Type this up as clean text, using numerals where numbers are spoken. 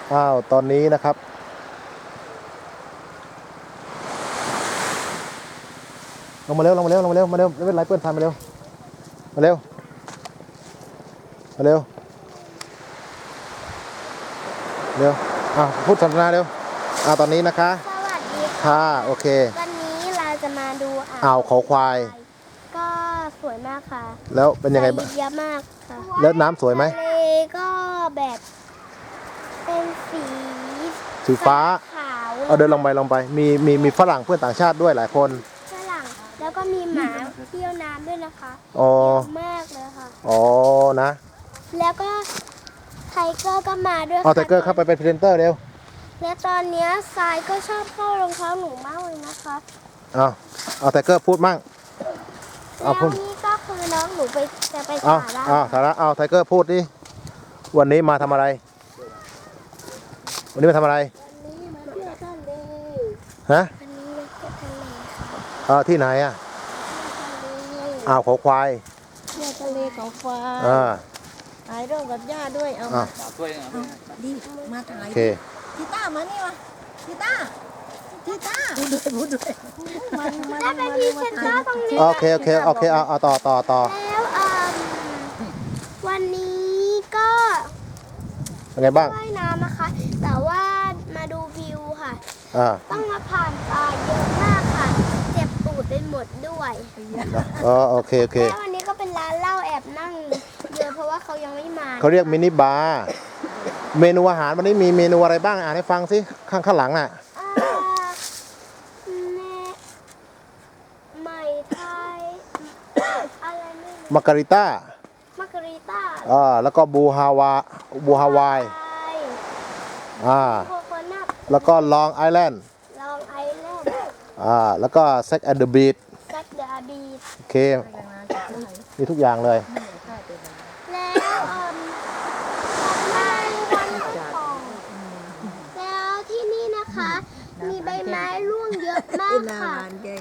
อ้าวตอนนี้นะครับลงมาเร็วลงมาเร็วลงมาเร็วมาเร็วไม่เป็นไรเพื่อนทันมาเร็วมาเร็วมาเร็วเร็วพูดสนทนาเร็วตอนนี้นะคะสวัสดีค่ะค่ะโอเควันนี้เราจะมาดูอ่าวเขาควายก็สวยมากค่ะแล้วเป็นยังไงบ้างเยอะมากค่ะแล้วน้ำสวยไหมทะเลก็แบบเป็นสีฟ้าขาวเดินลงไปมีฝรั่งเพื่อนต่างชาติด้วยหลายคนฝรั่งแล้วก็มีหมาเที่ยวน้ำด้วยนะคะอ๋อเยอะมากเลยค่ะอ๋อนะแล้วก็ไทเกอร์ก็มาด้วยไทเกอร์เข้าไปเป็นพรีเซนเตอร์เร็วและตอนนี้ทรายก็ชอบเข้ารองเท้าหนูมากเลยนะคะไทเกอร์พูดมั่งแล้วนี่ก็คือน้องหนูจะไปสาระสาระไทเกอร์พูดดิวันนี้มาทำอะไรวันนี้มาทำอะไรวันนี้มาเที่ยวทะเลฮะวันนี้มาเที่ยวทะเลค่ะที่ไหนเขาควายเที่ยวทะเลเขาควายถ่ายรูปกับย่าด้วยเอามาดิมาถ่ายโอเคทิต้ามานี่มาทิต้าพูดด้วยได้เป็นพรีเซนเตอร์ตรงนี้โอเคต่อแล้ววันนี้ก็เป็นไงบ้างว่ายน้ำนะคะแต่ว่ามาดูวิวค่ะต้องมาผ่านป่าเยอะมากค่ะเจ็บตูดไปหมดด้วยโอเคแล้ววันนี้ก็เป็นร้านเหล้าแอบนั่งเยอะเพราะว่าเขายังไม่มาเขาเรียกมินิบาร์เมนูอาหารวันนี้มีเมนูอะไรบ้างอ่านให้ฟังสิข้างหลังใหม่ไทยอะไรไม่รู้มาการิต้าแล้วก็บูฮาวายโคโคนัทแล้วก็ลองไอแลนด์แล้วก็แซกแอนด์เดอะบีทโอเคมีทุกอย่างเลยแล้วที่นี่นะคะมีใบไม้ร่วงเยอะมากค่ะ